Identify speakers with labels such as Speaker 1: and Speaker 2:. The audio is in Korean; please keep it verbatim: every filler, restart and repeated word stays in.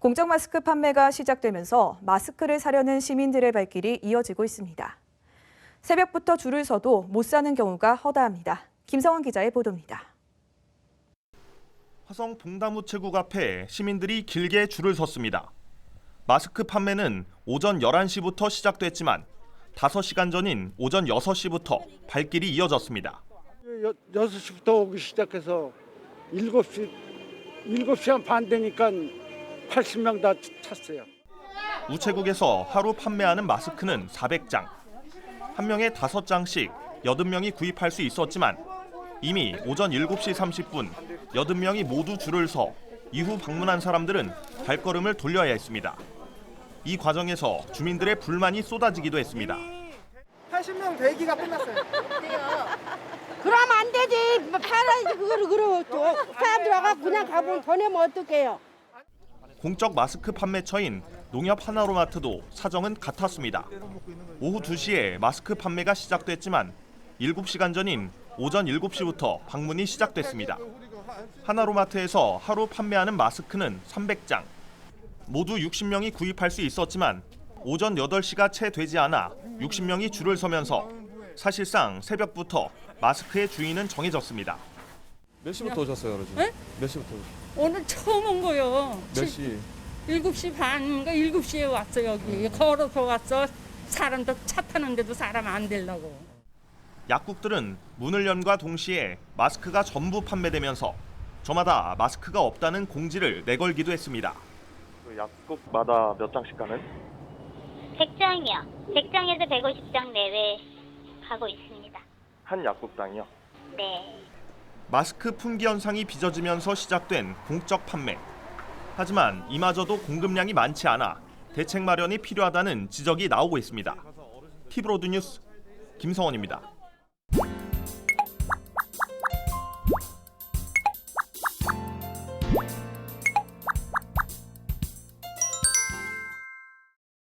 Speaker 1: 공적 마스크 판매가 시작되면서 마스크를 사려는 시민들의 발길이 이어지고 있습니다. 새벽부터 줄을 서도 못 사는 경우가 허다합니다. 김성원 기자의 보도입니다.
Speaker 2: 화성 봉담우체국 앞에 시민들이 길게 줄을 섰습니다. 마스크 판매는 오전 열한 시부터 시작됐지만 다섯 시간 전인 오전 여섯 시부터 발길이 이어졌습니다.
Speaker 3: 여섯 시부터 오기 시작해서 일곱 시, 일곱 시간 반 되니까 팔십 명 다 찼어요.
Speaker 2: 우체국에서 하루 판매하는 마스크는 사백 장. 한 명에 다섯 장씩 여든 명이 구입할 수 있었지만 이미 오전 일곱 시 삼십 분 여든 명이 모두 줄을 서 이후 방문한 사람들은 발걸음을 돌려야 했습니다. 이 과정에서 주민들의 불만이 쏟아지기도 했습니다.
Speaker 4: 팔십 명 대기가 끝났어요.
Speaker 5: 그러면 안 되지. 팔아야지 그거를 그러고 또 사람들 와가 그냥 가보면 더 내면 어떡해요.
Speaker 2: 공적 마스크 판매처인 농협 하나로마트도 사정은 같았습니다. 오후 두 시에 마스크 판매가 시작됐지만 일곱 시간 전인 오전 일곱 시부터 방문이 시작됐습니다. 하나로마트에서 하루 판매하는 마스크는 삼백 장. 모두 육십 명이 구입할 수 있었지만 오전 여덟 시가 채 되지 않아 육십 명이 줄을 서면서 사실상 새벽부터 마스크의 주인은 정해졌습니다.
Speaker 6: 몇 시부터 오셨어요, 어르신?
Speaker 7: 네?
Speaker 6: 몇 시부터 오셨어요?
Speaker 7: 오늘 처음 온 거요.
Speaker 6: 몇 시?
Speaker 7: 일곱 시 반인가 일곱 시에 왔어 여기. 걸어서 왔어. 사람도 차 타는데도 사람 안 되려고.
Speaker 2: 약국들은 문을 연과 동시에 마스크가 전부 판매되면서 저마다 마스크가 없다는 공지를 내걸기도 했습니다.
Speaker 8: 약국마다 몇 장씩 가는?
Speaker 9: 백 장이요. 백 장에서 백오십 장 내외 가고 있습니다.
Speaker 8: 한 약국당이요?
Speaker 9: 네.
Speaker 2: 마스크 품귀 현상이 빚어지면서 시작된 공적 판매. 하지만 이마저도 공급량이 많지 않아 대책 마련이 필요하다는 지적이 나오고 있습니다. 티브로드 뉴스 김성원입니다.